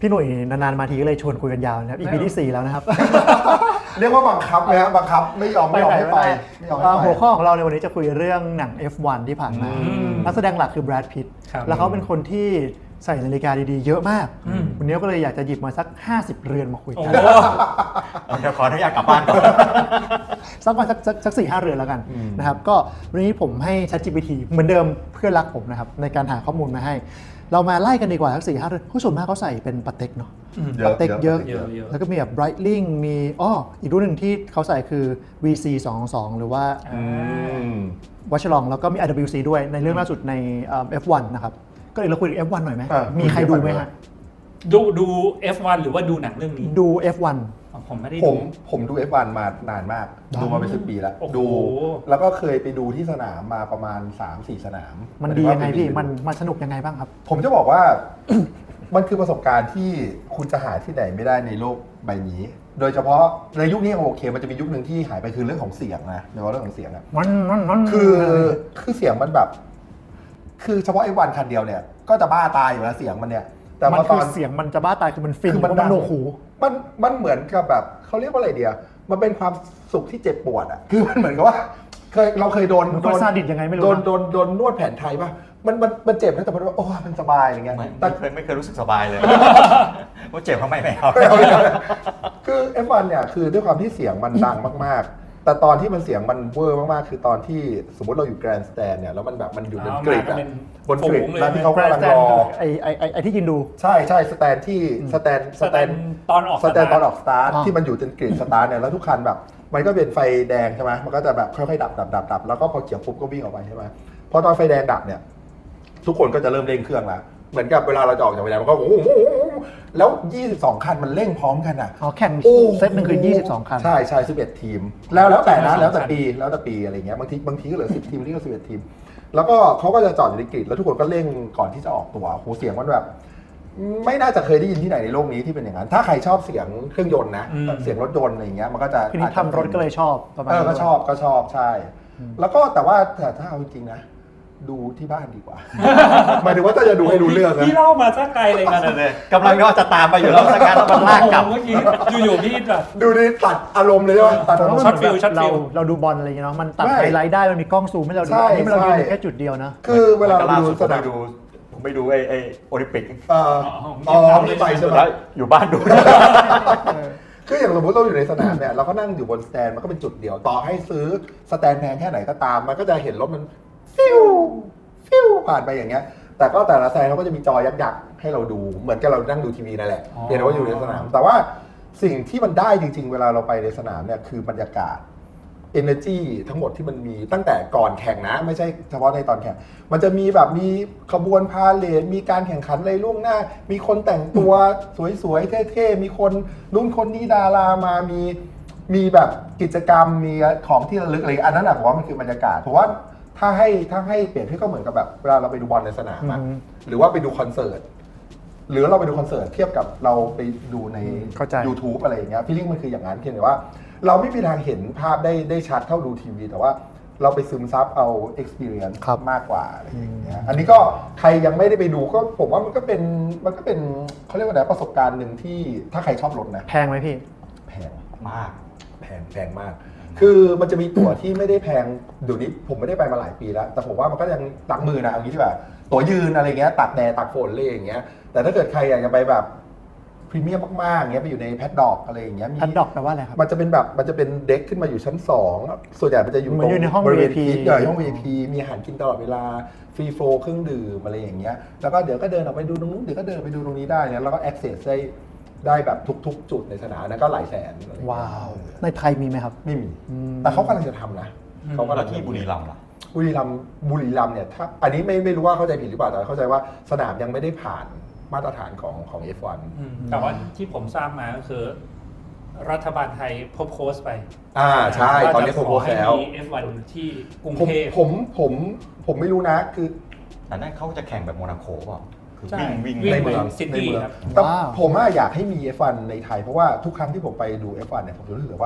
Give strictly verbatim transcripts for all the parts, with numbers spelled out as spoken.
พี่หนุ่ยนานๆมาทีก็เลยชวนคุยกันยาวนะครับ อี พี ที่สี่แล้วนะครับเรียกว่าบังคับไหมครับบังคับไม่ยอมไม่ยอมให้ไปไม่ยอมให้ไปหัวข้อของเราในวันนี้จะคุยเรื่องหนัง เอฟ วัน ที่ผ่านมา นักแสดงหลักคือแบรด พิตต์แล้วเขาเป็นคนที่ใส่นาฬิกาดีๆเยอะมากวันนี้ก็เลยอยากจะหยิบมาสักห้าสิบเรือนมาคุยกันเดี๋ยวขออนุญาตกลับบ้านก่อนสักวันสักสักสี่ห้าเรือนแล้วกันนะครับก็วันนี้ผมให้ ChatGPT เหมือนเดิมเพื่อนรักผมนะครับในการหาข้อมูลมาให้เรามาไล่กันดีกว่าทั้งสี่ห้าเรือนผู้ส่วนมากเขาใส่เป็นปาเต็กเนาะปาเต็กเยอะแล้วก็มีแบบ Breitling มีอ้ออีกรุ่นหนึ่งที่เขาใส่คือ วี ซี สองสองหรือว่าวัชรองแล้วก็มี อาร์ ดับเบิลยู ซี ด้วยในเรื่องล่าสุดใน เอฟ วัน นะครับก็เลยเราคุยถึง เอฟ วัน หน่อยไหมมีใครดูไหมฮะดูดู เอฟ วัน หรือว่าดูหนังเรื่องนี้ดู เอฟ วันผมไม่ได้ดูผมผมดู เอฟ วัน มานานมากดูมาเป็นสิบปีแล้วดูแล้วก็เคยไปดูที่สนามมาประมาณ สามสี่ สนามมันดียังไงพี่มันมันสนุกยังไงบ้างครับผมจะบอกว่า มันคือประสบการณ์ที่คุณจะหาที่ไหนไม่ได้ในโลกใบนี้ โดยเฉพาะในยุคนี้โอเคมันจะมียุคหนึ่งที่หายไปคือเรื่องของเสียงนะในว่าเรื่องของเสียงอะมันมันมันคือคือเสียงมันแบบคือเฉพาะไอ้วันคันเดียวเนี่ยก็จะบ้าตายอยู่แล้วเสียงมันเนี่ยแต่มันคือเสียงมันจะบ้าตายคือมันฟินมันโนหูมันมันเหมือนกับแบบเขาเรียกว่าอะไรเดียวมันเป็นความสุขที่เจ็บปวดอ่ะคือมันเหมือนกับว่าเคยเราเคยโดนโดนซาดิสยังไงไม่รู้โดนโดนโดนนวดแผนไทยป่ะมันมันมันเจ็บนะแต่มันว่าโอ้มันสบายอย่างเงี้ยแต่เคยไม่เคยรู้สึกสบายเลยว่าเจ็บทำไมไม่เอาคือ เอฟ วัน เนี่ยคือด้วยความที่เสียงมันดังมากๆแต่ตอนที่มันเสียงมันเวอร์มากๆคือตอนที่สมมติเราอยู่แกรนด์สแตนเนี่ยแล้วมันแบบมันอยู่บนกริดบนกริดแล้วที่เขากำลังรอไอ้ไอ้ไอ้ที่ยินดูใช่ใช่สแตนที่สแตนสแตนตอนออกสแตนตอนออกสตาร์ทที่มันอยู่จนกริดสตาร์ทเนี่ยแล้วทุกคันแบบมันก็เป็นไฟแดงใช่ไหมมันก็จะแบบค่อยๆดับดับดับดับแล้วก็พอเขียวปุ๊บก็วิ่งออกไปใช่ไหมพอตอนไฟแดงดับเนี่ยทุกคนก็จะเริ่มเร่งเครื่องแล้วเหมือนกับเวลาเราจะออกจากไฟแดงมันก็โอ้โหแล้วยี่สิบสองคันมันเร่งพร้อมกันอ่ะอ๋อแข่งเซตหนึ่งคือยี่สิบสองคันใช่ใช่สิบเอ็ดทีมแล้วแล้วแต่นะแล้วแต่ปีแล้วแต่ปีอะไรเงี้ยบางทีบางทีก็เหลือสิบทีมบางทีก็สิบเอ็ดทีมแล้วก็เขาก็จะจอดอยู่ในกริดแล้วทุกคนก็เร่งก่อนที่จะออกตัวโหเสียงมันแบบไม่น่าจะเคยได้ยินที่ไหนในโลกนี้ที่เป็นอย่างนั้นถ้าใครชอบเสียงเครื่องยนต์นะเสียงรถยนต์อะไรเงี้ยมันก็จะทีนี้ทำรถก็เลยชอบประมาณเออก็ชอบก็ชอบใช่แล้วก็แต่ว่าแต่ถ้าเอาจริงๆนะดูที่บ้านดีกว่าหมายถึงว่าถ้าจะดูให้รู้เรื่องนะพี่เล่ามาสักไกลเลยกันเลยกำลังก็จะตามไปอยู่แล้วสักการแล้วมันลากกลับเมื่อกี้อยู่ๆพี่แบบดูดิตัดอารมณ์เลยใช่ไหมตัดอารมณ์ช็อตฟิลช็อตฟิลเราดูบอลอะไรอย่างเงี้ยเนาะมันตัดไฮไลท์ได้มันมีกล้องซูมให้เราดูนี่เราดูแค่จุดเดียวนะคือเวลาเราดูสนามดูผมไปดูไอ้ไอ้โอลิมปิกเอออ๋อไม่ไปใช่ไหมอยู่บ้านดูคืออย่างสมมติเราอยู่ในสนามเนี่ยเราก็นั่งอยู่บนสแตนมันก็เป็นจุดเดียวต่อให้ซื้อสแตนแพงแค่ไหนก็ตามมันก็จะเห็นรถมันฟิวฟิวผ่านไปอย่างเงี้ยแต่ก็แต่ละสแตนเขาก็จะมีจอยักษ์ๆให้เราดูเหมือนกับเรานั่งดูทีวีนั่นแหละเพียงแต่ว่าอยู่ในสนามแต่ว่าสิ่งที่มันได้จริงๆเวลาเราไปในสนามเนี่ยคือบรรยากาศ energy ทั้งหมดที่มันมีตั้งแต่ก่อนแข่งนะไม่ใช่เฉพาะในตอนแข่งมันจะมีแบบมีขบวนพาเหรดมีการแข่งขันอะไรล่วงหน้ามีคนแต่งตัวสวยๆเท่ๆมีคนนู่นคนนี้ดารามามีมีแบบกิจกรรมมีของที่ระลึกอะไรอันนั้นนะผมว่ามันคือบรรยากาศเพราะว่าถ้าให้ถ้าให้เปรียบเทียบก็เหมือนกับแบบเวลาเราไปดูบอลในสนามหรือว่าไปดูคอนเสิร์ตหรือเราไปดูคอนเสิร์ตเทียบกับเราไปดูใน YouTube อะไรอย่างเงี้ยฟีลลิ่งมันคืออย่างนั้นเพียงแต่ว่าเราไม่มีทางเห็นภาพได้ได้ชัดเท่าดูทีวีแต่ว่าเราไปซึมซับเอา experience มากกว่าอะไรอย่างเงี้ยอันนี้ก็ใครยังไม่ได้ไปดูก็ผมว่ามันก็เป็นมันก็เป็นเขาเรียกว่าอะไรประสบการณ์หนึ่งที่ถ้าใครชอบรถนะแพงไหมพี่แพงมากแพงแพงมากคือมันจะมีตั๋วที่ไม่ได้แพงเดี๋ยวนี้ผมไม่ได้ไปมาหลายปีแล้วแต่ผมว่ามันก็ยังตักมือนะเอางี้ดีกว่าตั๋วยืนอะไรเงี้ยตักแดดตักฝนเลยอย่างเงี้ยแต่ถ้าเกิดใครอยากจะไปแบบพรีเมียมมากๆเงี้ยไปอยู่ในแพดด็อกอะไรอย่างเงี้ยแพดด็อกแปลว่าอะไรครับมันจะเป็นแบบมันจะเป็นเด็กขึ้นมาอยู่ชั้นสองส่วนใหญ่มันจะอยู่ตรงบริเวณพีใหญ่ห้อง วี ไอ พี มีอาหารกินตลอดเวลาฟรีโฟลเครื่องดื่มอะไรอย่างเงี้ยแล้วก็เดี๋ยวก็เดินออกไปดูตรงนู้นเดี๋ยวก็เดินไปดูตรงนี้ได้เนี่ยแล้วก็ access ได้ได้แบบทุกๆจุดในสนามนั้นก็หลายแสนว้าวในไทยมีไหมครับไม่มีแต่เขากำลังจะทำนะเขากำลังที่บุรีรัมย์ล่ะบุรีรัมย์บุรีรัมย์เนี่ยถ้าอันนี้ไม่ไม่รู้ว่าเข้าใจผิดหรือเปล่าแต่เข้าใจว่าสนามยังไม่ได้ผ่านมาตรฐานของของ เอฟ วันแต่ว่าที่ผมทราบมาก็คือรัฐบาลไทยพบโค้ชไปอ่าใช่ตอนนี้ผมโค้ชแล้วเอฟ วัน ที่กรุงเทพผมผมผมไม่รู้นะคือแต่นั่นเขาจะแข่งแบบโมนาโกป่ะคือวิ่วิ่งวิ่งในเมืองซิตี้ครับแต่ผมอยากให้มี เอฟ วัน ในไทยเพราะว่าทุกครั้งที่ผมไปดู เอฟ วัน เนี่ยผมรู้สึกว่า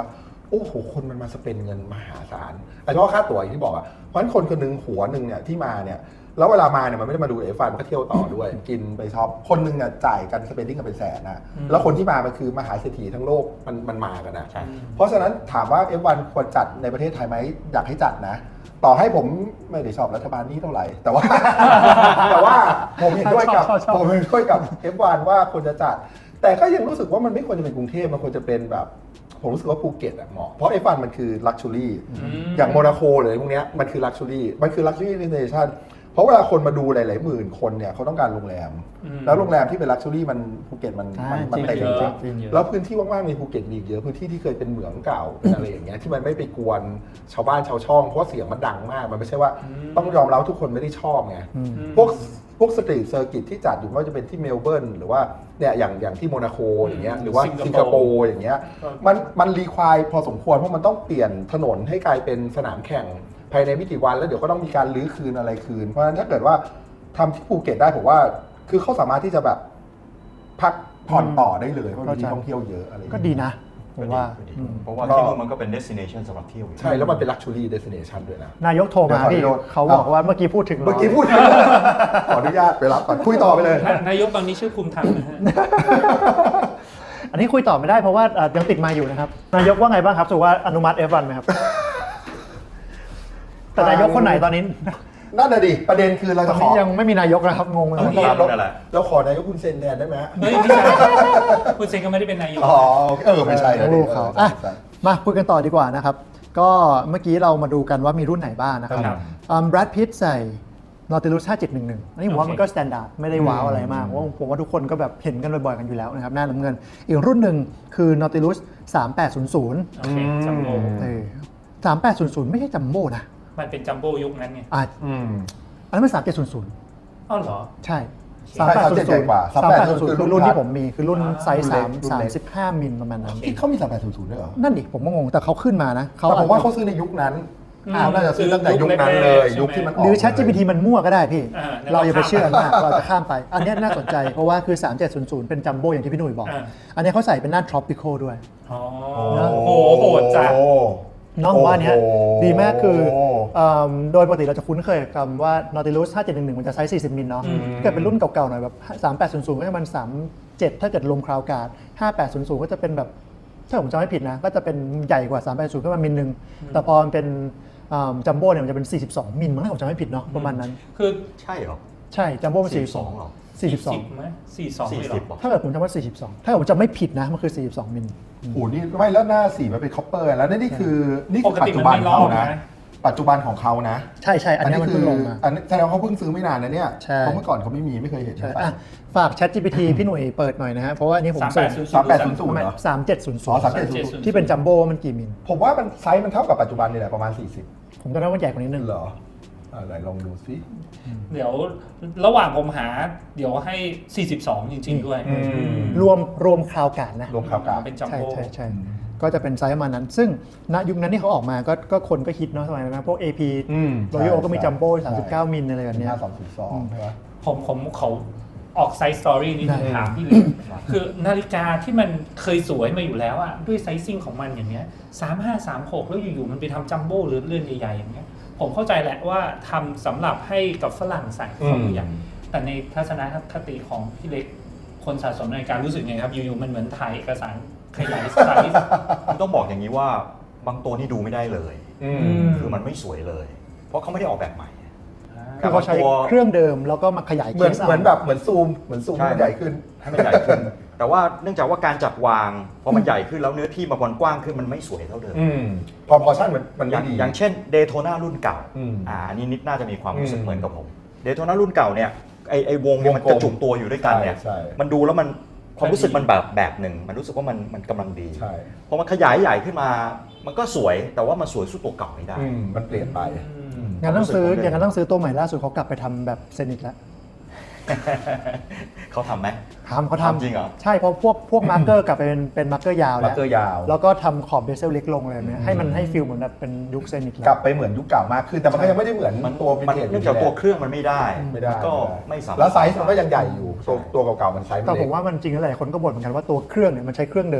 โอ้โหคนมันมาสเปนเงินมหาศาลไอ้เฉพาะค่าตั๋วอย่างที่บอกอ่ะเพราะฉะนั้นคนคนหนึงหัวหนึ่งเนี่ยที่มาเนี่ยแล้วเวลามาเนี่ยมันไม่ได้มาดูเอฟวันมันก็เที่ยวต่อด้วย กินไปช็อปคนหนึงอ่ะจ่ายกันสเปนดิ้งกันเป็นแสนนะแล้วคนที่มามันคือมหาเศรษฐีทั้งโลกมันมันมากันนะใช่เพราะฉะนั้นถามว่า เอฟ วัน ควรจัดในประเทศไทยไหมอยากให้จัดนะ ต่อให้ผมไม่ได้ชอบรัฐบาลนี้เท่าไหร่ แต่ว่า แต่ว่าผมเห็นด้วยกับชอบชอบชอบผมเห็นด้วยกับ เอฟ วัน ว่าควรจะจัด แต่ก็ยังรู้สึกว่ามันไม่ควรจะเป็นกรุงเทพมันควรจะเป็นแบบผมรู้สึกว่าภูเก็ตอะเหมาะเพราะ เอฟ วัน มันคือลักชัวรี่อย่างโมนาโคหรืออะไรพวกเนี้ยมันคือลักชัวรี่มันคือลักชัวรี่เดสติเนชั่นเพราะเวลาคนมาดูหลายๆหมื่นคนเนี่ยเขาต้องการโรงแรม แล้วโรงแรมที่เป็นลักชัวรี่มันภูเก็ตมันมันมันเต็มจจริริงงๆจริงๆแล้วพื้นที่ว่างๆในภูเก็ตมีอีกเยอะพื้นที่ที่เคยเป็นเหมืองเก่าเป็นอะไรอย่างเงี้ยที่มันไม่ไปกวนชาวบ้านชาวช่องเพราะว่าเสียงมันดังมากมันไม่ใช่ว่าต้องยอมรับทุกคนไม่ได้ชอบไงพวกพวกสตรีทเซอร์กิตที่จัดอยู่ไม่ว่าจะเป็นที่เมลเบิร์นหรือว่าเนี่ยอย่างอย่างที่โมนาโคอย่างเงี้ยหรือว่าสิงคโปร์อย่างเงี้ยมันมันรีควายพอสมควรเพราะมันต้องเปลี่ยนถนนให้กลายเป็นสนามแข่งภายในไม่กี่วันแล้วเดี๋ยวก็ต้องมีการรื้อคืนอะไรคืนเพราะฉะนั้นถ้าเกิดว่าทำที่ภูเก็ตได้ผมว่าคือเขาสามารถที่จะแบบพักผ่อนต่อได้เลยเพราะมีที่ท่องเที่ยวเยอะอะไรอย่างก็เงี้ยดีนะผมว่าก็ดีอืมเพราะว่าที่นู่นมันก็เป็น destination สำหรับเที่ยวอยู่ใช่แล้วมันเป็น luxury destination ด้วยนะนายกโทรมาพี่เดี๋ยวขออนุญาตเขาบอกว่าเมื่อกี้พูดถึงเมื่อกี้พูด ขออนุญาตไปรับก่อนคุยต่อไปเลยนายกตอนนี้ชื่อภูมิธรรมนะฮะอันนี้คุยต่อไม่ได้เพราะว่าเอ่อยังติดมาอยู่นะครับ นายกว่าไงบ้างครับสุว่าอนุมัติ เอฟ วัน ไหมครับ แต่นายกคนไหนตอนนี้นั่นน่ะดิประเด็นคือเราตอจะนขอนี้ยังไม่มีนายกนะครับงงเลยต้องเราตามเรานั่นแหละเราขอนายกคุณเซนแทนได้ไหมเฮ้ยไม่ใช่คุณเซนก็ไม่ได้เป็นนายกอ๋อเออไม่ใช่นะลูกเขาอออ่ะใช่มาคุยกันต่อดีกว่านะครับ ก็เมื่อกี้เรามาดูกันว่ามีรุ่นไหนบ้างนะครับครับแบรดพิตใส่ Nautilus ห้าเจ็ดหนึ่งหนึ่งอันนี้ผมว่ามันก็สแตนดาร์ดไม่ได้ว้าวอะไรมากเพราะว่าผมว่าทุกคนก็แบบเห็นกันบ่อยๆกันอยู่แล้วนะครับหน้าน้ำเงิน อีกรุ่นหนึ่งคือ Nautilus สามแปดศูนย์ศูนย์โอเคจัมโบ้เออสามแปดศูนย์ศูนย์ไม่ใช่จัมโบ้นะมันเป็นจัมโบ้ยุคนั้นไงอ่ะอืมอันนั้นเป็นสามเจ็ดศูนย์ศูนย์อ้าวเหรอใช่ใช่สามเจ็ดใหญ่กว่าสามแปดศูนย์ศูนย์คือรุ่คืนอรุ่นพัที่ดผมมีคือรุ่นไซส์รุ่นสาเล็มกรุ่นสามเล็กสิบห้ามิลประมาณนั้นที่เขามีสามแปดศูนย์ศูนย์ด้วยเหรอนั่นดิผมก็งงแต่เขาขึ้นมานะแต่ผมว่าเขาซื้อในยุคนั้นอืมเขาน่าจะซื้อตั้งแต่ยุคนั้นเลย ยุคที่มันออกหรือ ChatGPT มันมั่วก็ได้พี่อ่าเราอย่าไปเชื่อมาก เราจะข้ามไป อันเนี้ยน่าสนใจ เพราะว่าคือ สามเจ็ดศูนย์ศูนย์ เป็นจัมโบ้อย่างที่พี่หนุ่ยบอกอ่าอันเนี้ยเขาใส่เป็นหน้า tropical ด้วยอ๋อโอ้โหโหดจัดน้องผมว่าอันเนี้ยโอ้โหดีมากคือเอิ่มโดยปกติเราจะคุ้นเคยกับคำว่า Nautilus ห้าเจ็ดหนึ่งหนึ่งมันจะไซส์สี่สิบมิลเนาะอืมถ้าเกิดเป็นรุ่นเก่าๆหน่อยแบบสามแปดศูนย์ศูนย์ก็จะมันสามเจ็ดถ้าเกิดลมคราวการ์ดห้าแปดศูนย์ศูนย์ก็จะเป็นแบบถ้าผมจำไม่ผิดนะก็จะเป็นใหญ่กว่าสามแปดศูนย์ก็ประมาณมิลนึงแต่พอมันเป็นจัมโบ้เนี่ยมันจะเป็นสี่สิบสองมิลมั้งถ้าผมจำไม่ผิดเนาะประมาณนั้นคือใช่เหรอใช่จัมโบ้มันสี่สิบสองหรอสี่สิบสองไหมสี่สองเลยเหรสี่สิอบเหรอถ้าเกิดผมจำว่าสี่สิบสองถ้าเกิดผมจำไม่ผิดนะมันคือสี่สิบสองมิลโอ้โหนี่ไม่แล้วหน้าสีมันเป็นคอปเปอร์แล้วนี่คือนี่ปคือก ปัจติจุมันบันไม่ลอเขากนะนะปัจจุบันของเขานะใช่ใช่อันเนี้ยมันคืเพิ่งลงมาอันนี้แสดงว่าเขาเพิ่งซื้อไม่นานนะเนี่ยใช่เพราะเมื่อก่อนเขาไม่มีไม่เคยเห็นใช่ใช่อ่ะฝาก ChatGPT พี่หน่วยเปิดหน่อยนะฮะเพราะว่าอันนี้ผมสามเสิแปร์ดชศูนย์สามแปดศูนย์ศูนย์เหรอสามเจ็ดศูนย์ศูอ๋นอย์สามเจ็ดศูนย์ศูนย์ที่เป็นจัมโบ้มันกี่มิลผมว่ามันไซส์มันเท่ากับปัจจุบันนี่แหละประมาณสี่สิบผมจำได้ว่าใหญ่กว่านี้นึงเหรออ่าไหนลองดูซิเดี๋ยวระหว่างผมหา เดี๋ยวให้ สี่สิบสอง จริง ๆ ด้วยอืมรวมรวมคราวการนะรวมข่าวกลางเป็นจัมใช่โบ้ใช่ใช่ก็จะเป็นไซส์ประมาณนั้น ซึ่งณยุคนั้นที่เขาออกมาก็ก็คนก็ฮิตเนาะสมัยนั้นนะพวก เอ พีอืมโรยัลก็มีใช่จัมโบ้ใช่สามสิบเก้ามิลอะไรแบบเนี้ยห้าสองศูนย์สองใช่ไหมผมผมเขาออกไซส์สตอรี่นี้ได้ถามพี่เลย คือนาฬิกาที่มันเคยสวยมาอยู่แล้วอะด้วยไซซิ่งของมันอย่างเงี้ยสามห้าสามหกแล้วอยู่ๆมันไปทำจัมโบ้หรือเลื่อนใหญ่ๆอย่างเงี้ยผมเข้าใจแหละว่าทำสำหรับให้กับฝรั่งใส่เขาอยู่อย่างแต่ในทัศนคติของพี่เล็กคนสะสมนาฬิการู้สึกไงครับอยู่ๆมันเหมือนถ่ายเอกสารขยายไซส์ผมต้องบอกอย่างนี้ว่าบางตัวนี่ดูไม่ได้เลยอือืมมคือมันไม่สวยเลย เพราะเขาไม่ได้ออกแบบใหม่คือเขาใช้ตัวเครื่องเดิมแล้วก็มาขยายเหมือนเคสาเหมือนแบบเหมือนซูมเหมือนซูมใช่ให้มันใหญ่ขึ้นให้มันใหญ่ขึ้น แต่ว่าเนื่องจากว่าการจัดวางพอมันใหญ่ขึ้นแล้วเนื้อที่มันกว้างขึ้นมันไม่สวยเท่าเดิมอืมพอพอชั่นมันมันอไม่ย่างดีอย่างเช่นเดโทนารุ่นเก่าอืมอ่าอันนี้นิดน่าจะมีความรู้สึกอืมเหมือนกับผมเดโทนารุ่นเก่าเนี่ยไอไอวงเนี่ยมันวงกลมกระจุกตัวอยู่ด้วยกันเนี่ยใช่ใช่มันดูแล้วมันความรู้สึกมันแบบแบบหนึ่งมันรู้สึกว่ามันมันกำลังดีใช่พอมันขยายใหญ่ขึ้นมา มันก็สวยแต่ว่ามันสวยสู้ตัวเก่าไม่ได้อืมมันเปลี่ยนไปงั้นต้องซื้อความรู้สึกผมเลยอย่างนั้นต้องซื้อตัวใหม่ล่าสุดเขากลับไปทำแบบเซนิกแล้วเขาทำไหมทำเขาทำทำจริงเหรอใช่เพราะพวกพวกมาร์กเกอร์กลับไปเป็นเป็นมาร์กเกอร์ยาวมาแล้ร์วเกอร์ยาวแล้วก็ทำขอบเบเซลเล็กลงเลยแบบเนี้ยให้มันให้ฟิลเหมือนแบบเป็นยุคเซนิกกลัแล้บวไปเหมือนยุคเก่ามากขึ้นแต่มันก็ยังไม่ได้เหมือนมันตัววินมันเทจเนื่องจากตัวเครื่องมันไม่ได้ไม่ได้ก็ไม่สามารถแล้วไซส์มันก็ยังใหญ่อยู่ตัวตัวเก่าๆมันไซส์มันแต่ผเล็กมว่ามันจริงแล้วหลายคนก็บ่นเหมือนกันว่าตัวเครื่องเนี่ยมันใช้เครื่องเดิม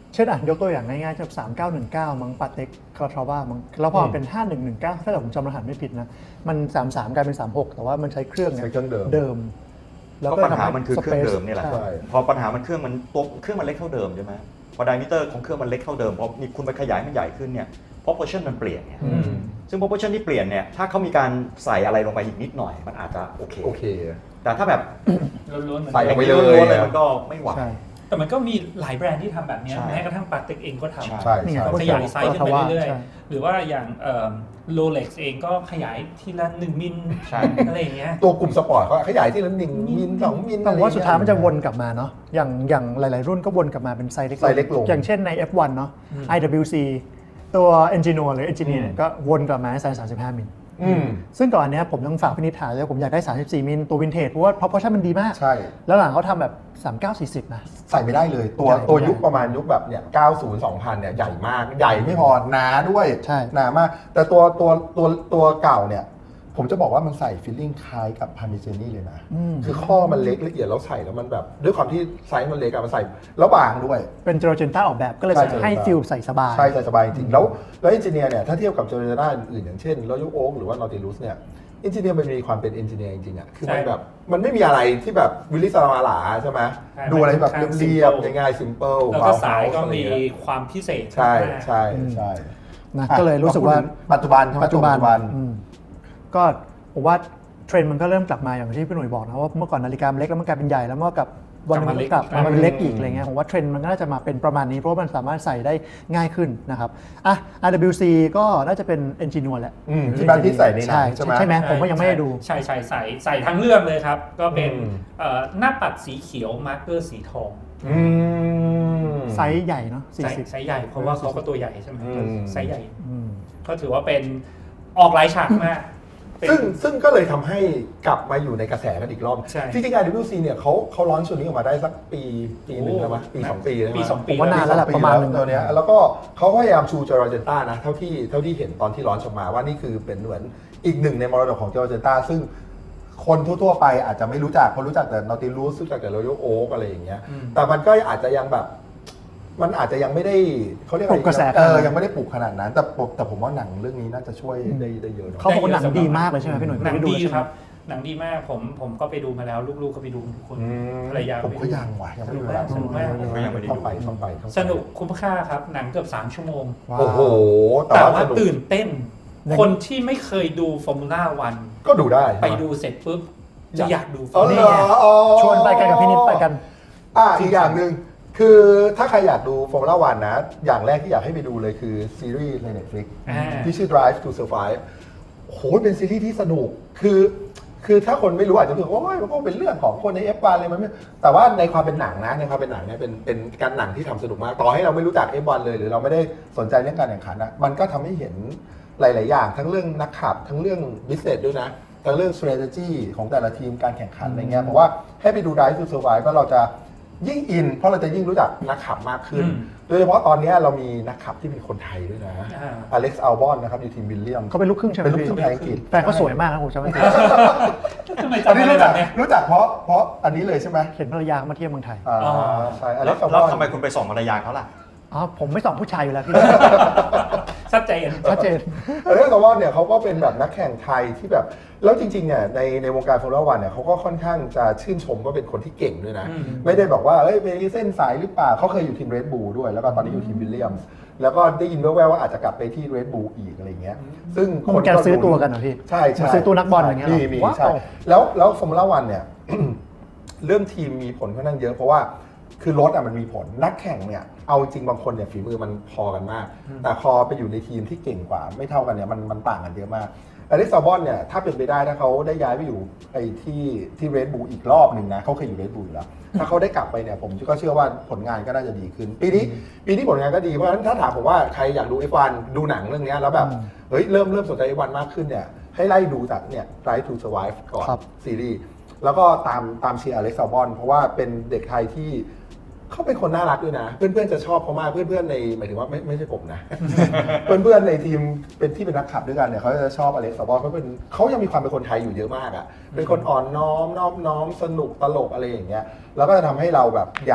เช่นอ่ะยกตัวอย่างง่ายๆจากสามเก้าหนึ่งเก้ามั้งปาเต็กคาราทราว่ามั้งแล้วพอเป็นห้าหนึ่งหนึ่งเก้าถ้าเกิดผมจำรหัสไม่ผิดนะมันสามสามกลายเป็นสามหกแต่ว่ามันใช้เครื่องนี่ยใช้เครื่องเดิมเดิมก็ปัญหามันคือเครื่องเดิมนี่แหละใช่พอปัญหามันเครื่องมันตัวเครื่องมันเล็กเท่าเดิมใช่ไหมพอไดมิเตอร์ของเครื่องมันเล็กเท่าเดิมพอมีคุณไปขยายมันใหญ่ขึ้นเนี่ย proportion มันเปลี่ยนเนี่ยอืมซึ่ง proportion ที่เปลี่ยนเนี่ยถ้าเขามีการใส่อะไรลงไปอีกนิดหน่อยมันอาจจะโอเคโอเคแต่ถ้าแบบล้วนๆเหมือนใส่เดิลมงไปล้วนๆเลยมันก็ไม่ไหวใช่แต่มันก็มีหลายแบรนด์ที่ทำแบบเนี้ยใช่แม้กระทั่งปาเต็กเองก็ทำใช่นี่ไงใช่ขยายไซส์ขึ้นไปเรื่อยใช่ๆ หรือว่าอย่างโรเล็กซ์เองก็ขยายทีละหนึ่งมิลใช่อะไรอย่างเงี้ยตัวกลุ่มสปอร์ตเขาขยายที่ละหนึ่งมิลสองมิลแต่ว่าสุดท้ายมันจะวนกลับมาเนาะอย่างอย่างหลาย ๆ รุ่นก็วนกลับมาเป็นไซส์เล็กไซส์เล็กลงอย่างเช่นใน เอฟ วัน เนาะ ไอ ดับเบิลยู ซี ตัว Engineer หรือ Engineer เนี่ยก็วนกลับมาในไซส์สามสิบห้ามิลอืมซึ่งก่อนเนี้ยผมต้องฝากพินิจฐานเลยผมอยากได้สามสิบสี่มิลตัววินเทจเพราะว่า proportion มันดีมากใช่แล้วหลังเขาทำแบบสามเก้า สี่สิบนะใส่ไม่ได้เลยตัวใหญ่ตัวยุคประมาณยุคแบบเนี่ยเก้าสิบ สองพันเนี่ยใหญ่มาก ใหญ่ไม่พอหนาด้วยใช่หนามาก แต่ตัวตัวตัวตัวเก่าเนี่ย ผมจะบอกว่ามันใส่ฟิลลิ่งคล้ายกับพาร์มิเจนี่เลยนะอืมคือข้อมันเล็กละเอียดแล้วใส่แล้วมันแบบด้วยความที่ไซส์มันเล็กอะมันใส่แล้วบางด้วยเป็นเจโรเจนต้าออกแบบก็เลยใช่ให้ Georgenta ฟิลใส่สบายใช่ใส่สบายจริงๆแล้วแล้วเอนจิเนียร์เนี่ยถ้าเทียบกับเจอร์ด้าอื่นๆอย่างเช่นรอยัลโอ๊กหรือว่านอติลูสเนี่ยเอนจิเนียร์มันมีความเป็นเอนจิเนียร์จริงๆอะคือมันใช่แบบมันไม่มีอะไรที่แบบวิลลิสลามาหลาใช่ไหมใช่ดูอะไรแบบมันค่อนข้างเรียบ simple ๆง่ายๆ simple แล้วก็ Powerhouse สายก็อะไรมีเงี้ยความพิเศษใช่มากใช่ใช่นะอ่ะก็เลยรู้สึกว่ามพูดถึงปัจจุบันใช่ไหมปัจจุบันปัจจุบันอืมก็ผมว่าเทรนด์มันก็เริ่มกลับมาอย่างที่พี่หนุ่ยบอกนะว่าเมื่อก่อนนาฬิกามันเล็กแล้วมันกลายเป็นใหญ่แล้วเมื่อกับวันหนึงมันกลับมาเป็นเล็กอีกอะไรเงี้ยผมว่าเทรนด์มันก็น่าจะมาเป็นประมาณนี้เพราะว่ามันสามารถใส่ได้ง่ายขึ้นนะครับอ่ะ อาร์ ดับเบิลยู ซี ก็น่าจะเป็น Engineer แหละอืมที่บ้านพี่ใส่ในหนัใช่งใช่ไหมใช่ไหมผมก็ยังไม่ได้ดูใช่ใช่ใส่ใส่ทั้งเรื่องเลยครับ ก็เป็นอืมเอ่อหน้าปัดสีเขียวมาร์กเกอร์สีทองอืมไซส์ใหญ่เนาะไซส์สี่สิบไซส์ใหญ่เพราะว่าเขาก็ตัวใหญ่ใช่ไหมอืมไซส์ใหญ่อืมก็ถือว่าเป็นออกหลายฉากมากเป็นซึ่งซึ่งก็เลยทำให้กลับมาอยู่ในกระแสกันอีกรอบใช่จริงๆ อาร์ ดับเบิลยู ซี เนี่ยเขาเขาร้อนชุดนี้ออกมาได้สักปีปีหนึ่งแล้วมั้ยปีสองปีแล้วมั้ยปีสองปีผมว่านานแล้วแหละปีประมาณหนึ่งตัวเนี้ยแล้วก็เขาก็พยายามชูเจอร์เจนต้านะเท่าที่เท่าที่เห็นตอนที่ร้อนออกมาว่านี่คือเป็นเหมือนอีกหนึ่งในมรดกของเจอร์เจนต้าซึ่งคนทั่วๆไปอาจจะไม่รู้จักคนรู้จักแต่นอติลูสรู้จักแต่รอยัลโอ๊กอะไรอย่างเงี้ยอืมแต่มันก็อาจจะยังแบบ มันอาจจะยังไม่ได้เขาเรียกปลุกกระแสเออยังไม่ได้ปลุกขนาดนั้น แต่ผมแต่ผมว่าหนังเรื่องนี้น่าจะช่วยได้ได้เยอะเนอะเขาบอกว่าหนังดีมากเลยใช่ไหมพี่หนุ่ยหนังไม่ดูดีใช่ไหมครับ หนังดีมากผมผมก็ไปดูมาแล้วลูกๆก็ไปดูทุกคนอืมภรรยาผมก็ยังว่ะยังไม่มีเวลาสนุกมากผมก็ยังไม่ได้ดูต้องไปต้องไปต้องไปสนุกคุ้มค่าครับ หนังเกือบสามชั่วโมงว้าวโอ้โห แต่แต่ว่าว่าสนุกตื่นเต้นยังคนที่ไม่เคยดูฟอร์มูล่าวันก็ดูได้ไปดูเสร็จปุ๊บ จะอยากดูฟอ๋ออร์มูเหรล่าออ๋อชวนไปกันกับพี่นิดไปกันอ่ะอีกอย่างหนึ่งคือถ้าใครอยากดูฟอร์มูล่าวันนะ อย่างแรกที่อยากให้ไปดูเลยคือซีรีส์ใน Netflix อ่าที่ชื่อ Drive to Survive โหเป็นซีรีส์ที่สนุก คือ คือถ้าคนไม่รู้อาจจะรู้สึกว่าโอ้ยมันก็เป็นเรื่องของคนใน เอฟ วัน เลยมันไม่แต่ว่าในความเป็นหนังนะในความเป็นหนังเนี่ยเป็นเป็นการหนังที่ทำสนุกมาก ต่อให้เราไม่รู้จัก เอฟ วัน เลย หรือเราไม่ได้สนใจเรื่องการแข่งขันนะมันก็ทำให้เห็นหลาย ๆ อย่าง ทั้งเรื่องนักขับ ทั้งเรื่อง business ด้วยนะ ทั้งเรื่อง strategy ของแต่ละทีมการแข่งขันอะไรเงี้ยเพราะว่าให้ไปดู Drive to Survive ก็เราจะยิ่งอิน เพราะเราจะยิ่งรู้จักนักขับมากขึ้นอืมโดยเฉพาะตอนนี้เรามีนักขับที่เป็นคนไทยด้วยนะอ่าอเล็กซ์อัลบอนนะครับอยู่ทีมวิลเลียมเขาเป็นลูกครึ่งใช่ไหมเป็นลูกพี่ครึ่งไทยอังกฤษแฟนเขาสวยมากนะผมจำไม่ผิดทำไมอันจำนี้อะไรรู้แบจักบเนี้ยรู้จักเพราะเพราะอันนี้เลยใช่ไหมเห็นภรรยาเขามาเที่ยวเมืองไทยอ่าอ๋อใช่อแล้เล็วกซ์อัลบแล้วอนทำไมคุณไปส่องภรรยาเขาล่ะอ๋อผมไม่ส่องผู้ชายอยู่แล้วพี่ชัดเจนชัดเจนอเล็กซ์อัลบอนเนี่ยเขาก็เป็นแบบนักแข่งไทยที่แบบแล้วจริงๆเนี่ยในในวงการฟอร์มูล่าวันเนี่ยเขาก็ค่อนข้างจะชื่นชมว่าเป็นคนที่เก่งด้วยนะอืมไม่ได้บอกว่าเอ้ยไปเส้นสายหรือเปล่าเขาเคยอยู่ทีมเรดบูลด้วย แล้วก็ตอนนี้อยู่ทีมวิลเลียมส์แล้วก็ได้ยินแว่วๆว่าอาจจะกลับไปที่เรดบูลอีกอะไรเงี้ยซึ่งมันการซื้อตัวกันเหรอพี่ใช่ใช่มันซื้อตัวนักบอลอย่างเงี้ยเหรอมีมีว้าวใช่แล้วแล้วฟอร์มูล่าวันเนี่ย เรื่องทีมมีผลค่อนข้างเยอะเพราะว่าคือรถอ่ะมันมีผลนักแข่งเนี่ยเอาจริงบางคนเนี่ยฝีมือมันพอกันมาก แต่พอไปอยู่ในทีมที่เก่งกว่า ไม่เท่ากันเนี่ยมันมันต่างกันเยอะมากอเล็กซ์อัลบอนเนี่ยถ้าเป็นไปได้ถ้าเขาได้ย้ายไปอยู่ไอ้ที่ที่เรดบูลอีกรอบหนึ่งนะเขาเคยอยู่เรดบูลอยู่แล้วถ้าเขาได้กลับไปเนี่ยผมก็เชื่อว่าผลงานก็น่าจะดีขึ้น ปีนี้ปีนี้ผลงานก็ดีเพราะฉะนั้นถ้าถามผมว่าใครอยากดู เอฟ วัน ดูหนังเรื่องเนี้ยแล้วแบบอืมเฮ้ยเริ่มเริ่มสนใจ เอฟ วัน มากขึ้นเนี่ยให้ไล่ดูจากเนี่ย Drive to Survive ก่อนครับซีรีส์แล้วก็ตามตามเชียร์อเล็กซ์อัลบอนเพราะว่าเป็นเด็กไทยที่เขาเป็นคนน่ารักด้วยนะ เพื่อนๆจะชอบเขามากเพื่อนๆในหมายถึงว่าไม่ไม่ใช่ผมนะ เพื่อนๆในทีมเป็นที่เป็นนักขับด้วยกันเนี่ยเขาจะชอบอเล็กซ์อัลบอนเขาเป็นเขายังมีความเป็นคนไทยอยู่เยอะมากอ่ะเป็นคนอ่อนน้อมนอบน้อมสนุกตลกอะไรอย่างเงี้ยแล้วก็จะทำให้เราแบบอยาก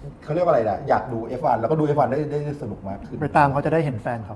เขาเรียกว่าอะไรนะอยากดู เอฟ วัน แล้วก็ดู เอฟ วัน ได้ได้สนุกมากขึ้นไปตามเขาจะได้เห็นแฟนเขา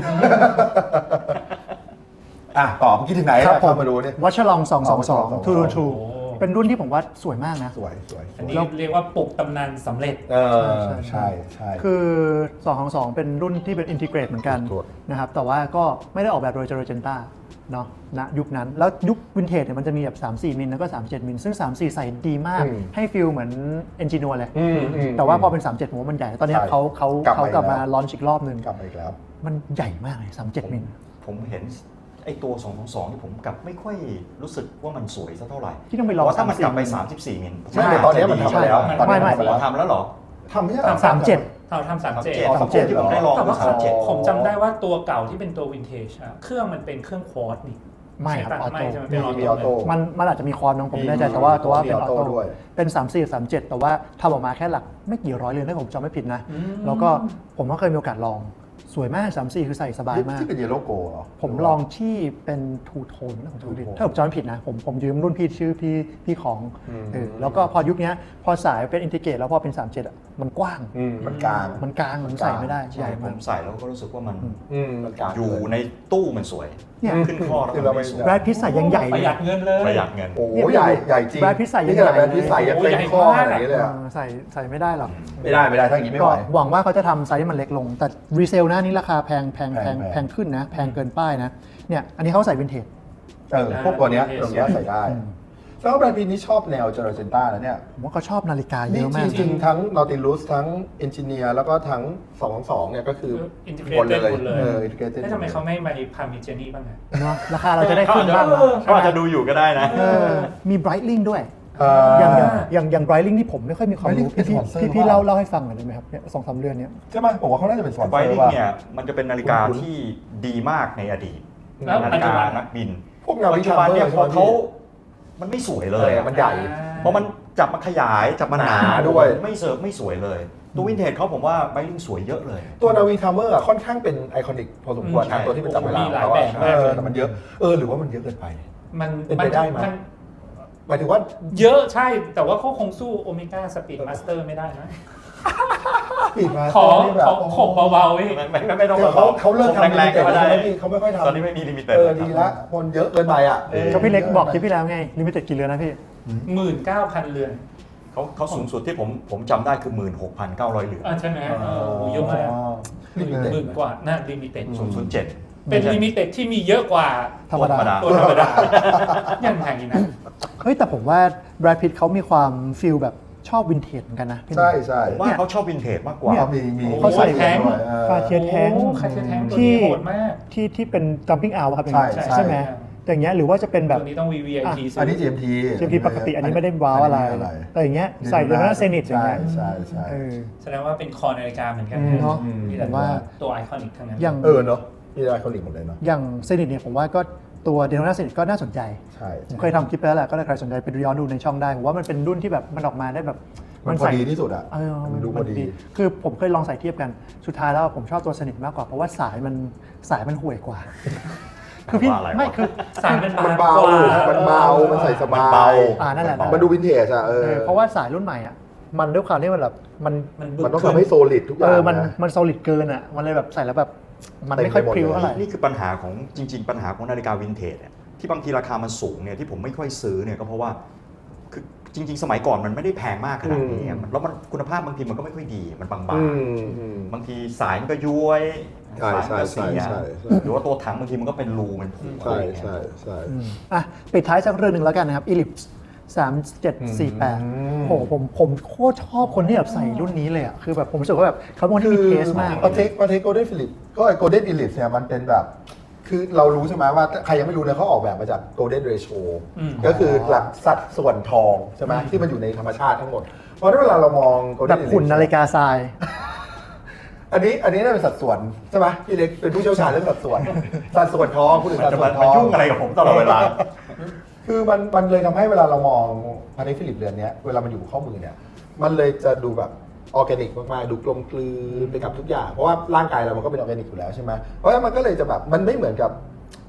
อ่ะต่อเมื่อกี้ถึงไหนครับผมมาดูเนี่ยวัชรองสองสองสองสองสองสองทูรูทูโอ้เป็นรุ่นที่ผมว่าสวยมากนะสวยสวยสอันวยนี้เรียกว่าปลุกตำนานสำเร็จเออใช่ใช่ใช่คือสองสองสองเป็นรุ่นที่เป็นอินทิเกรตเหมือนกันถูกนะครับแต่ว่าก็ไม่ได้ออกแบบโดยเจเรเจนต้าเนาะณยุคนั้น แล้วยุควินเทจเนี่ยมันจะมีแบบสามสี่มิลแล้วก็สามเจ็ดมิลซึ่งสามสี่ใส่ดีมากอืมให้ฟิลเหมือนเอนจินัวเลยอืมอืมแต่ว่าพอเป็นสามเจ็ดผมว่ามันใหญ่ ตอนเนี้ยใช่เขาเขากลับมาเขากลับมาอีกแล้วลอนช์อีกรอบหนึ่งกลับมาอีกแล้วมันใหญ่มากเลยสามเจ็ดมิลผมเห็นไอ้ตัว สองสองสอง ที่ผมกลับไม่ค่อยรู้สึกว่ามันสวยสักเท่าไหร่ที่ต้องไปลองเพราะถ้ามันกลับไปสามสี่สามสิบสี่มิลใช่แต่ตอนนี้มันทำไปแล้วใช่ตอนนี้ไม่ไม่ทำไปแล้วทำแล้วเหรอทำไม่ใช่เหรอสามเจ็ดเราทำสามเจ็ดอ๋อสามเจ็ดที่ผมได้ลองแต่ว่าสามเจ็ดผมจำได้ว่าตัวเก่าที่เป็นตัววินเทจอะเครื่องมันเป็นเครื่องควอตนี่ไม่ครับใช่ปะออโต้ไม่ใช่ไหมเป็นออมีออโต้โต้มันมันอาจจะมีคอนน้องผมมีไม่แน่ใจแต่ว่าแต่ว่าเป็นอมีอออโต้โต้ด้วยเป็นสามสี่ สามเจ็ดแต่ว่าทำออกมาแค่หลักไม่กี่ร้อยเรือนถ้าผมจำไม่ผิดนะอืมแล้วก็ผมก็เคยมีโอกาสลองสวยมากสามสี่คือใส่สบายมากที่เป็นเยลโล่โกเหรอผมลองที่เป็นทูโทนนะผมจำไม่ผิด Two tone ถ้าผมจำไม่ผิดนะผมผมยืมรุ่นพี่ชื่อพี่พี่ของอืมเออแล้วก็พอยุคเนี้ยพอสายเป็นอินทิเกรตแล้วพอเป็นสามเจ็ดอ่ะมันกว้างอืมมันกลางมันกลางมันใส่ไม่ได้ใช่ใหญ่ผมาม กใส่แล้วก็รู้สึกว่ามันอืมมันกลางอยู่ในตู้มันสวยเนี่ยขึ้นข้อแล้วคือมัเรานไม่ไม่สวยแบรดพิซใส่ยังใหญ่ปเลระยหยัดเงินเลยประหยัดเงินโอ้โหใหญ่ใหญ่จริงแบรดพิซใส่ยังนี่ใหญ่ขนาดแบรดพิซใส่ยังโอ้เต็ใหมญ่ข้อมากอะไรอย่างนี้เลยอะเออใส่ใส่ไม่ได้หรอกไม่ได้ไม่ได้ถ้าอย่างนี้ไม่ก็ไหวหวังว่าเขาจะทำไซส์ที่มันเล็กลง แต่รีเซลหน้านี้ราคาแพงแพงแพงแพงแพงขึ้นนะ แพงเกินป้ายนะ เนี่ย อันนี้เขาใส่วินเทจเออพวกตัวเนี้ยตรงเนี้ยใส่ได้แล้วแบรนด์พีนี้ชอบแนวเจอร์เซนต้านะเนี่ยผมว่าเขาชอบนาฬิกาเยนี่อะจมากริงๆทั้งนอติลูสทั้งเอนจิเนียร์แล้วก็ทั้งสองสองเนี่ยก็คืออินทิเกรหมดตเลยหมดเลยเอออินทิเกรตแล้วทำไมเขาไม่มาพามิเจนี่บ้างอะเนาะราคาเราจะได้ขึ้นบ้างเออเขาอาจจะดูอยู่ก็ได้นะเออมี Breitling ด้วยเออย่างอย่างออย่างอย่าง Breitling ที่ผมไม่ค่อยมีความรู้ Breitling เป็นพี่สปอนเซอร์พี่พี่ว่าเล่าเล่าให้ฟังหน่อยได้ไหมครับเนี่ยสองสามเดือนเนี้ยใช่ไหมผมว่าเขาน่าจะเป็นสปอนเซไวอร์ริงว่าเนี่ยมันจะเป็นนาฬิกาคุ้นๆที่ดีมากในอดีตแล้วนาปัฬิจจุกาบันนักบินพวกนาวิปัจจุบันเนี่ยใช่พอไหมเขามันไม่สวยเลยอะมันใหญ่เพราะมันจับมาขยายจับมาหนาหนาด้วยไม่เสิร์ฟไม่สวยเลย ตัววินเทจเขาผมว่าไวริงสวยเยอะเลยตัวนาวีทัมเมอร์ค่อนข้างเป็นไอคอนิกพอสมควรใช่นะตัวที่เป็นจับเวลามีหลายเขาแบบอะมากเลยเออแต่มันเยอะเออหรือว่ามันเยอะเกินไปมันเป็นไปได้ไหมมันหมายถึงว่าเยอะใช่ แต่ว่าเขาคงสู้โอเมก้าสปีดมาสเตอร์ไม่ได้นะปิดมาขอนี่แบบขอขบเบาๆพี่ไม่ไม่ไม่ไม่ต้องเดี๋ยวเขาเขาเลิกทำลิแรมิงๆเต็ดก็แล้วได้ใช่ไหมพี่เขาไม่ค่อยทำตอนนี้ไม่มีลิมิเต็ดเออดีละคนเยอะเกินไปอ่ะเออก็พี่เล็กบอกคลิปที่แล้วไงลิมิเต็ดกี่เรือนนะพี่หมื่นเก้าพันเรือนเขาเขาสูงสุดที่ผมผมจำได้คือ หมื่นหกพันเก้าร้อย เหรียญอ่าใช่ไหมเออโหเยอะมากลิมิเต็ดหมื่นกว่าน่าลิมิเต็ดศูนย์ศูนย์เจ็ดเป็นลิมิเต็ดที่มีเยอะกว่าธรรมดาตัวธรรมดายังไงนะเฮ้ยแต่ผมว่าแบรดพิตเขามีความฟิลแบบชอบวินเทจเหมือนกันนะพี่หนุ่มใช่ใช่ผมว่าเขาชอบวินเทจมากกว่าเนี่ยเขามีมีเขาใส่แทงคาเทียแทงโอ้คาเทียแทงตัวที่นี้โหดมากที่ที่เป็น jumping out ครับอย่างใช่เงี้ยใช่ใช่ไหมแต่อย่างเงี้ยหรือว่าจะเป็นแบตับวนี้ต้อง วี วี ไอ พีอันนี้ จี เอ็ม ทีเจมพีปกติอันนี้ไม่ได้ว้าวอะไร แต่อย่างเงี้ยใส่เดนน่าเซนิตอย่างใช่เงี้ยใช่ใช่เออแสดงว่าเป็นคอนาฬิกาเหมือนกันเนาะนี่ผแหละมว่าตัวไอคอนิกทั้งนั้นอย่างเออเนาะมีไอคอนิกหมดเลยเนาะอย่างเซนิตเนี่ยผมว่าก็ตัวเดนน่าเซนิตก็น่าสนใจใช่ผมเคยทำคลิปไปแล้วแหละก็ถ้าใครสนใจไปดูย้อนดูในช่องได้ผมว่ามันเป็นรุ่นที่แบบมันออกมาได้แบบมันพอดีที่สุดอ่ะเออมันดูพอดีคือผมเคยลองใส่เทียบกันสุดท้ายแล้วผมชอบตัวสนิทมากกว่าเพราะว่าสายมันสายมันห่วยกว่า คือพี่ว่าอะไรวะไม่คือสายมันมันบางเบากว่ามันเบา มันใส่สบามันเบายอ่านั่นแหละมันดูวินเทจอะเอเอออเพราะว่าสายรุ่นใหม่อ่ะมันด้วยความที่มันแบบมันมันบึกมันต้องขึ้นทำให้โซลิดทุกอเอย่าง อมันนะมันโซลิดเกินอ่ะมันเลยแบบใส่แล้วแบบมันไม่ค่อยเต็มไปหมดพริ้วเลยเท่าไหร่นี่คือปัญหาของจริง ๆ ปัญหาของนาฬิกาวินเทจเนี่ยที่บางทีราคามันสูงเนี่ยที่ผมไม่ค่อยซื้อเนี่ยก็เพราะว่าคือจริง ๆ สมัยก่อนมันไม่ได้แพงมากขนาดนี้อืมแล้วมันคุณภาพบางทีมันก็ไม่ค่อยดีมันบางอืมอืมๆบางทีสายมันก็ย้วยใช่สายมันก็เสียใช่ใช่ใช่หรือว่าตัวถังบางทีมันก็เป็นรูมันผุใช่อะไรอย่างเงี้ยใช่ใช่อืมอ่ะปิดท้ายสักเรื่องหนึ่งแล้วกันนะครับ Ellipse สามเจ็ดสี่แปดอืมโอ้โหผมผมโคตรชอบคนที่แบบใส่รุ่นนี้เลยอ่ะคือแบบผมรู้สึกว่าแบบเขาเป็นคนที่มีเทสมากปาเทคปาเทคโกลเด้นฟิลิปก็ไอโกลเด้นอิลิปเนี่ยมันเป็นแบบ คือเรารู้ใช่ไหมว่าใครยังไม่รู้เนี่ยเขาออกแบบมาจากโกลเด้นเรโชอืมก็คือหลักสัดส่วนทองใช่ไหมที่มันอยู่ในธรรมชาติทั้งหมด เพราะฉะนั้นเวลาเรามองโกลแบเด้นบหุ่นนาฬิกาทรายอันนี้อันนี้น่าเป็นสัดส่วนใช่ไหมพี่เล็กเป็นผู้เชี่ยวชาญเรื่องสัดส่วน สัดส่วนทองพูดถึงมันสัดจะส่วมานทมาองยุ่งอะไรกับผมตลอดเวลาคือมันมันเลยทำให้เวลาเรามองพานิฟิลิปเรือนเนี้ยเวลามันอยู่ข้อมือเนี่ยมันเลยจะดูแบบออร์แกนิกมากๆดูกลมกลืนไปกับทุกอย่างเพราะว่าร่างกายเรามันก็เป็นออร์แกนิกอยู่แล้วใช่ไหมเพราะฉะนั้นมันก็เลยจะแบบมันไม่เหมือนกับ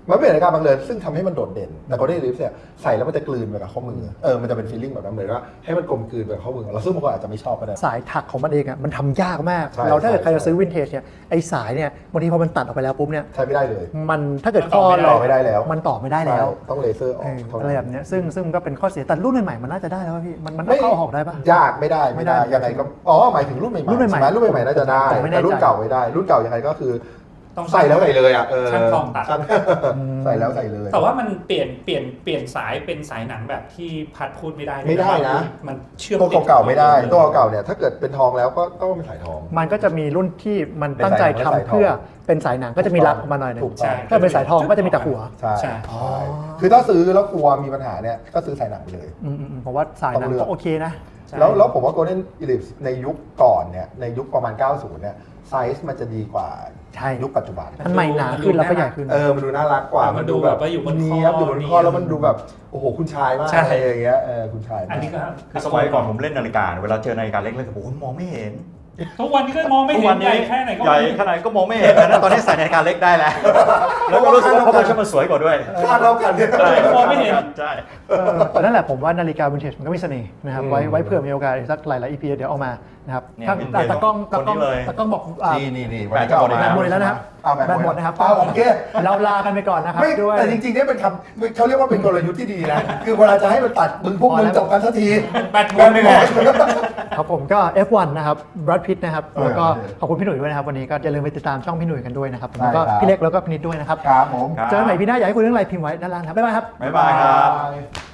มันเป็นนาฬิกาบังเอิญซึ่งทำให้มันโดดเด่นแต่ Golden Eclipse เนี่ยใส่แล้วมันจะกลืนไปกับข้อมือเออมันจะเป็นฟีลลิ่งแบบนั้นเลยว่าให้มันกลมกลืนไปกับข้อมือเราซึ่งบางคนอาจจะไม่ชอบก็ได้สายถักของมันเองอ่ะมันทำยากมากใช่เราถ้าเกิดใช่ใครจะซื้อวินเทจเนี่ยไอสายเนี่ยบางทีพอมันตัดออกไปแล้วปุ๊บเนี่ยใช้ไม่ได้เลยมันถ้าเกิดมันข้ต่ออไม่ได้เราไม่ได้แล้วมันต่อไม่ได้แล้วใช่ต้องเลเซอร์อเออกอเท่าอะไรนั้แบบนเนี้ยซึ่งซึ่งก็เป็นข้อเสียแต่รุ่นใหม่ๆมันน่าจะได้แล้วป่ะพี่มันมันไม่เข้าออกได้ป่ะยากไม่ได้ไม่ได้ไม่ได้ยังไงก็อ๋อหมายถึงรุ่นใหม่ๆรุ่นใหม่ๆใช่ไหมรุ่นใหม่ๆน่าจะได้ผมไม่แน่แต่รุ่นใจเก่าไม่ได้ รุ่นเก่ายังไงก็คือต้องใส่แล้วใส่เลยอ่ะเออช่างทองตัดช่างใส่แล้วใส่เลยแต่ว่ามันเปลี่ยนเปลี่ยนเปลี่ยนสายเป็นสายหนังแบบที่พัดพูดไม่ได้ไม่ได้นะมันเชื่อมตัวเก่าๆไม่ได้ตัวเก่าๆเนี่ยถ้าเกิดเป็นทองแล้วก็ต้องเป็นสายทองมันก็จะมีรุ่นที่มันตั้งใจทำเพื่อเป็นสายหนังก็จะมีรักออกมาหน่อยหนึงถูกต้องถ้าเป็นสายทองก็จะมีแต่หัวใช่ใช่ใช่คือถ้าซื้อแล้วกลัวมีปัญหาเนี่ยก็ซื้อสายหนังไปเลยอืมอืมอืมผมว่าสายหนังต้องเลือกก็โอเคนะใช่แล้วแล้วผมว่า Golden Eclipse ในยุคก่อนเนี่ยในยุคประมาณ เก้าสิบ เนี่ยไซส์มันจะดีกว่าใช่ยุคปัจจุบันมันใหม่หนาขึ้นแล้วก็ใหญ่ขึ้นเออ มันดูน่ารักกว่ามันดูแบบว่าอยู่บนคอเนี้ยบอยู่บนคอแล้วมันดูแบบ โอ้โห คุณชายมากใช่อะไรอย่างเงี้ย เออ คุณชายมากอันนี้ก็คือสมัยก่อนผมเล่นนาฬิกาเวลาเจอนาฬิกาเล็กๆผมมองไม่เห็นทุกวันนี้ก็มองไม่เห็นใหญ่แค่ไหนก็ใหญ่แค่ไหนก็มองไม่เห็นนะตอนนี้ใส่นาฬิกาเล็กได้แล้วแล้วก็รู้สึกว่าเขาบอกว่ามันสวยกว่าด้วยคาดเท่ากันเนี่ยใช่มองไม่เห็นใช่เออแต่นั่นแหละผมว่านาฬิกาวินเทจมันก็มีเสน่ห์นะครับอืมไว้ไว้เผื่อมีโอกาสอีกสักหลายๆ อี พี เดี๋ยวเอามานะครับเนี่ยถ้า vintage แต่ตากล้องตากล้องคนนี้เลยตากล้องบอกอ่านี่นี่นี่แบตจะหมดแบตหมดแล้วนะครับเอาแบตแบตหมดนะครับเอาโอเคเราลากันไปก่อนนะครับไม่ด้วยแต่จริงๆเนี่ยเป็นคำเขาเรียกว่าเป็นกลยุทธ์ที่ดีนะ คือเวลาจะให้มันตัดมึงพวกมึงจบกันสักทีแบตหมดเลยแหละครับผมก็ เอฟ วัน นะครับบรัดพิตนะครับเออแล้วก็โอเคขอบคุณพี่หนุ่ยด้วยนะครับ วันนี้ก็อย่าลืมไปติดตามช่องพี่หนุ่ยกันด้วยนะครับได้แล้วก็ครับพี่เล็กแล้วก็พี่นิดด้วยนะครับครับผมครับเจอกันใหม่พี่หน้าอยากให้คุยเรื่องอะไรพิมพ์ไว้ด้านล่างครับบ๊ายบายครับบ๊ายบายครับบ๊ายบาย